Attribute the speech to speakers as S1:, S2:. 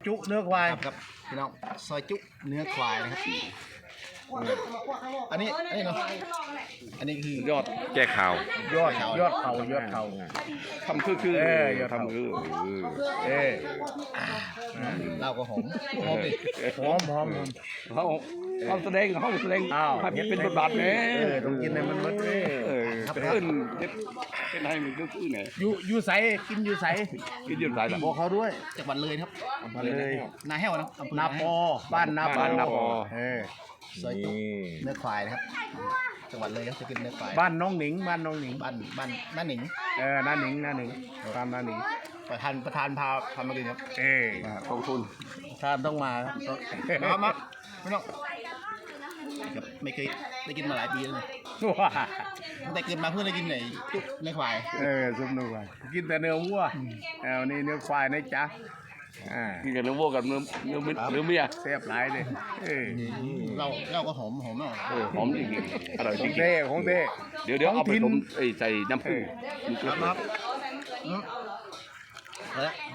S1: จุเนื้อควาย
S2: ครับพี่น้องซอยจุเนื้อควายนะครับอันนี้เนาะอันนี้คือย
S3: อดแก้ข่าวย
S1: อดเข่า
S3: ทำคือทำคือ
S2: เราก็หอมดิ
S1: หอม
S3: เขาแสดงให้เป็นบทบาทเนี่ย
S1: ต้องกินให้มันหมดเลย
S3: เป็นให้มันก็คือไง
S1: อยู่ใสกินอยู่ใส
S3: กินยืนสายละ
S1: บอกเขาด้วย
S2: จังหวัดเลยครับ
S1: เลย
S2: นาแห้วนะอำเภอ
S1: นาปอบ้านนาปอ
S2: ซอยจุเนื้อควายนะครับจังหวัดเลยครับจะกินเนื้อควาย
S1: บ้านน้องหนิงบ้านน้องหนิง
S2: บ้านน้าหนิง
S1: น้าหนิงตามน้าหนิง
S2: ประธานพามากินครับ
S3: กองทุน
S1: ท่านต้องมาครับ
S2: มาไม่ต้องครับไม่เคยได้กินมาหลายปีแล้วนะ
S1: ว้า
S2: ตั้งแต่เกิดมาเพิ่งได้กินไหนจุเนื้อควาย
S1: ซุปเนื้อควายกินแต่เนื้อวัววันนี้เนื้อควายนะจ๊ะ
S3: กินกับเนื้อวัวกับเนื้อเมีย
S1: แซ่บหลายเลย
S2: เราก็หอมมาก
S3: หอมจริงๆอร่อยจ
S1: ของ
S3: ริง
S1: เต้ของเต้
S3: ๆเดี๋ยวเอาไปต้มใส่น้ำผึ้ง
S2: ครับแล้ว